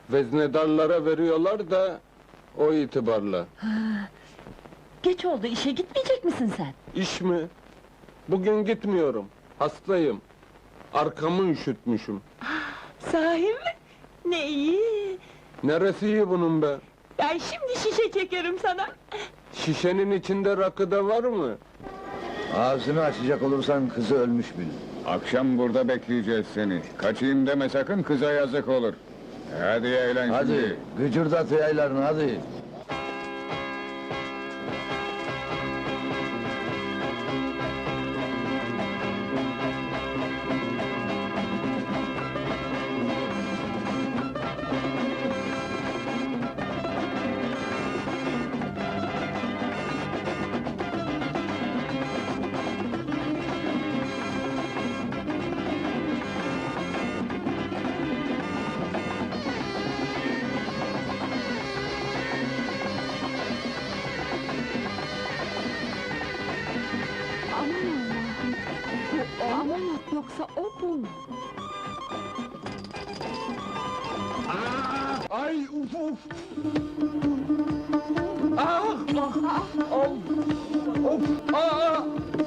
Veznedarlara veriyorlar da o itibarla. Geç oldu, işe gitmeyecek misin sen? İş mi? Bugün gitmiyorum. Hastayım. Arkamı üşütmüşüm. Sahi mi? Ne iyi! Neresi iyi bunun be? Ben şimdi şişe çekerim sana. Şişenin içinde rakı da var mı? Ağzını açacak olursan kızı ölmüş bil. Akşam burada bekleyeceğiz seni. Kaçayım deme sakın, kıza yazık olur. Hadi eğlen Hadi, şimdi. gıcırdat yaylarını hadi. Aman Allah'ım! Bu o mu, yoksa o bu mu? Ay uf uf! Ah! Ah! Of! Of! Ah!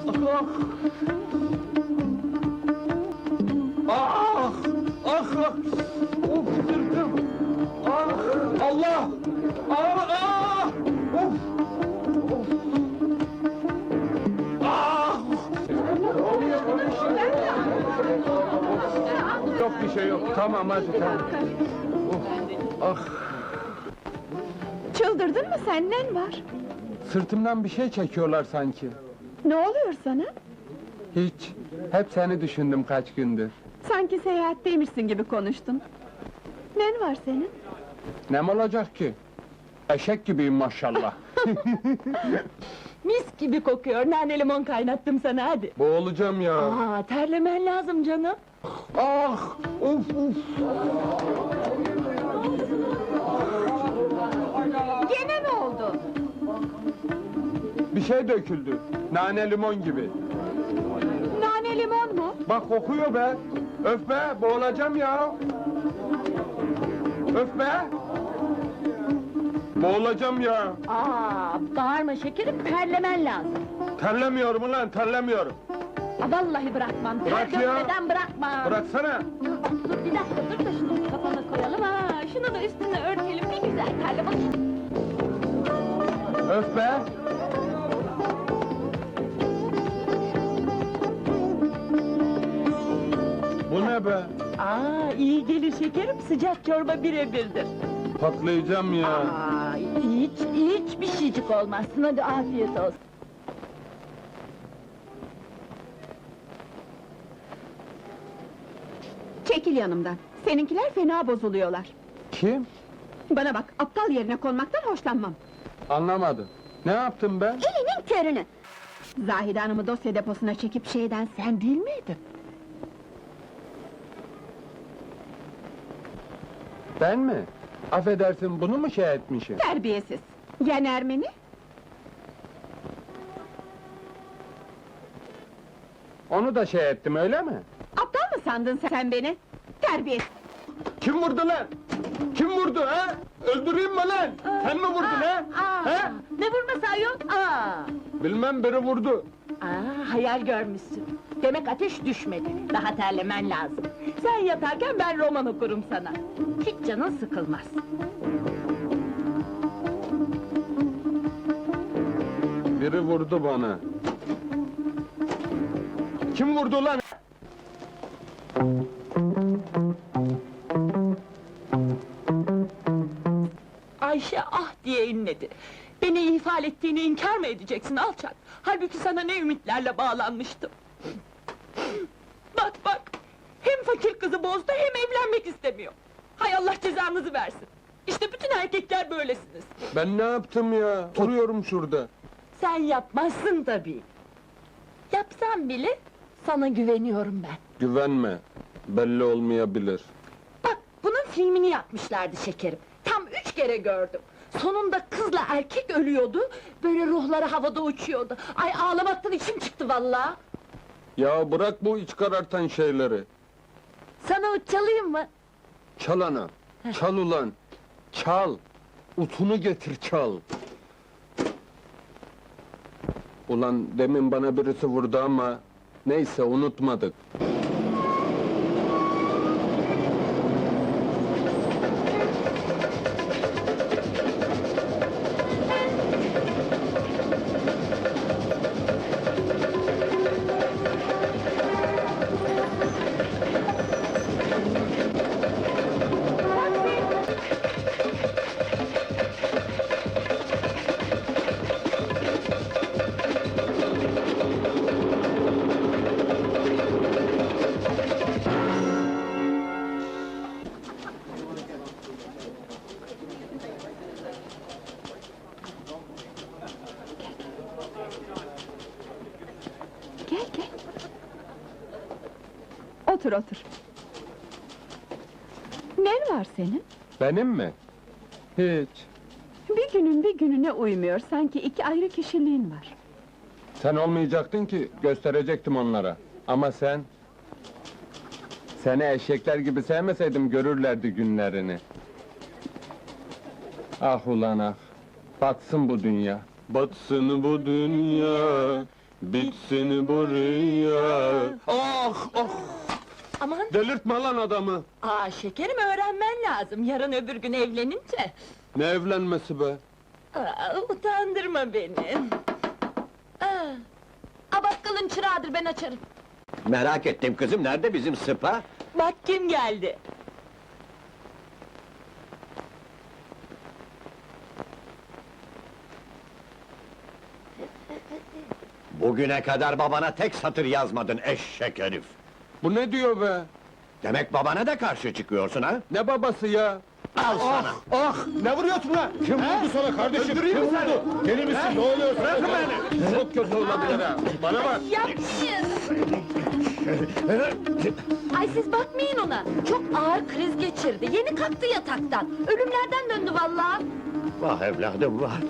Ah! Ah! Ah! Of sırtım! Ah! Allah! Ah! Ah! Of! Of! Ah! Yok bir şey yok. Tamam hadi tamam. Ah! Çıldırdın mı sen, nen var? Sırtımdan bir şey çekiyorlar sanki. Ne oluyor sana? Hiç. Hep seni düşündüm kaç gündür. Sanki seyahatteymişsin gibi konuştun. Nen var senin? Nem olacak ki? Eşek gibiyim maşallah. Mis gibi kokuyor, nane limon kaynattım sana, hadi! Boğulacağım ya. Aa, terlemen lazım canım! Ah! Uf uf! Gene ne oldu? Bir şey döküldü. Nane limon gibi. Nane limon mu? Bak kokuyor be. Öf be, boğulacağım ya. Öf be! Boğulacağım ya. Aa, bağırma şekerim, terlemen lazım! Terlemiyorum ulan, terlemiyorum. Aa, vallahi bırakmam, Bırak ter ya. dökmeden bırakmam! Bıraksana. Dur bir dakika, dur da şunu kafana koyalım ha! Şunu da üstüne örtelim, ne güzel terle bak! Öf be! Bu ne be? Aa, iyi gelir şekerim, sıcak çorba birebirdir! Patlayacağım ya. Aa, hiç bir şeycik olmazsın, hadi afiyet olsun! Çekil yanımdan. Seninkiler fena bozuluyorlar. Kim? Bana bak, aptal yerine konmaktan hoşlanmam. Anlamadım. Ne yaptım ben? Elinin körünü! Zahide Hanım'ı dosya deposuna çekip şeyden sen değil miydin? Ben mi? Affedersin, bunu mu şey etmişim? Terbiyesiz! Yen Ermeni? Onu da şey ettim, öyle mi? Aptal mı sandın sen beni? Terbiyesiz! Kim vurdu lan? Kim vurdu ha? Öldüreyim mi lan? Sen mi vurdun ha? Ha? Ne vurması ayol? Aa! Bilmem, biri vurdu. Aa, hayal görmüşsün! Demek ateş düşmedi, daha terlemen lazım! Sen yatarken ben roman okurum sana! Hiç canın sıkılmaz! Biri vurdu bana. Kim vurdu lan? Ayşe ah diye inledi! Beni ihmal ettiğini inkar mı edeceksin alçak? Halbuki sana ne ümitlerle bağlanmıştım! Bak bak! Hem fakir kızı bozdu hem evlenmek istemiyor! Hay Allah cezanızı versin! İşte bütün erkekler böylesiniz! Ben ne yaptım ya? Duruyorum şurada. Sen yapmazsın tabii! Yapsam bile sana güveniyorum ben! Güvenme. Belli olmayabilir. Bak, bunun filmini yapmışlardı şekerim! Tam 3 kere gördüm! Sonunda kızla erkek ölüyordu, böyle ruhları havada uçuyordu! Ay ağlamaktan içim çıktı vallahi! Ya bırak bu iç karartan şeyleri. Sana uç çalayım mı? Çal ana. Çal ulan! Çal! Utunu getir çal! Ulan demin bana birisi vurdu ama... Neyse unutmadık. Gel gel. Otur otur. Ne var senin? Benim mi? Hiç. Bir günün bir gününe uymuyor, sanki iki ayrı kişiliğin var. Sen olmayacaktın ki, gösterecektim onlara. Ama sen... Seni eşekler gibi sevmeseydim görürlerdi günlerini. Ah ulan ah! Batsın bu dünya! Batsın bu dünya! Bitsin bu rüya! Ah ah! Aman! Delirtme lan adamı! Şekerim öğrenmen lazım, yarın öbür gün evlenince. Ne evlenmesi be? Utandırma beni. Bakkalın çırağıdır, ben açarım. Merak ettim kızım, nerede bizim Sıpa? Bak kim geldi. Bugüne kadar babana tek satır yazmadın eşek herif! Bu ne diyor be? Demek babana da karşı çıkıyorsun ha? Ne babası ya? Al sana! Ah! Ne vuruyorsun lan? Kim vurdu sana kardeşim? Öldüreyim mi seni? Deli misin? Ne oluyor? Bırakın beni! Çok kötü olabilir ha! Bana bak! Yapmayın! Ay siz bakmayın ona, çok ağır kriz geçirdi, yeni kalktı yataktan. Ölümlerden döndü vallahi. Vah evladım vah!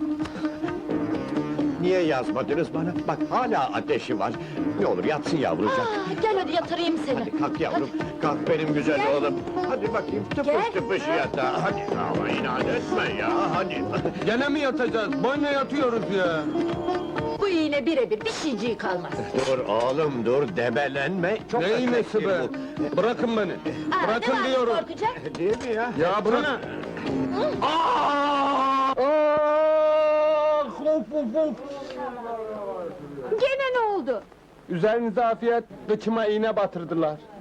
Niye yazmadınız bana? Bak hala ateşi var! Ne olur yatsın yavrucak! Gel hadi yatırayım seni. Hadi kalk yavrum, kalk benim güzel Gel. oğlum! Hadi bakayım, tıpış Gel. tıpış yatağa, hadi! Ama inat etme ya, hadi! Gene mi yatacağız? Boyuna yatıyoruz ya! Bu iğne birebir, bir şeyciği kalmaz. Dur oğlum dur, debelenme! Çok Ne iğnesi be? bu. Bırakın beni! Bırakın ne var diyorum! korkacak? Değil mi ya? Ya bırak! Ah! Of of of! Gene ne oldu? Üzerinize afiyet, kıçıma iğne batırdılar.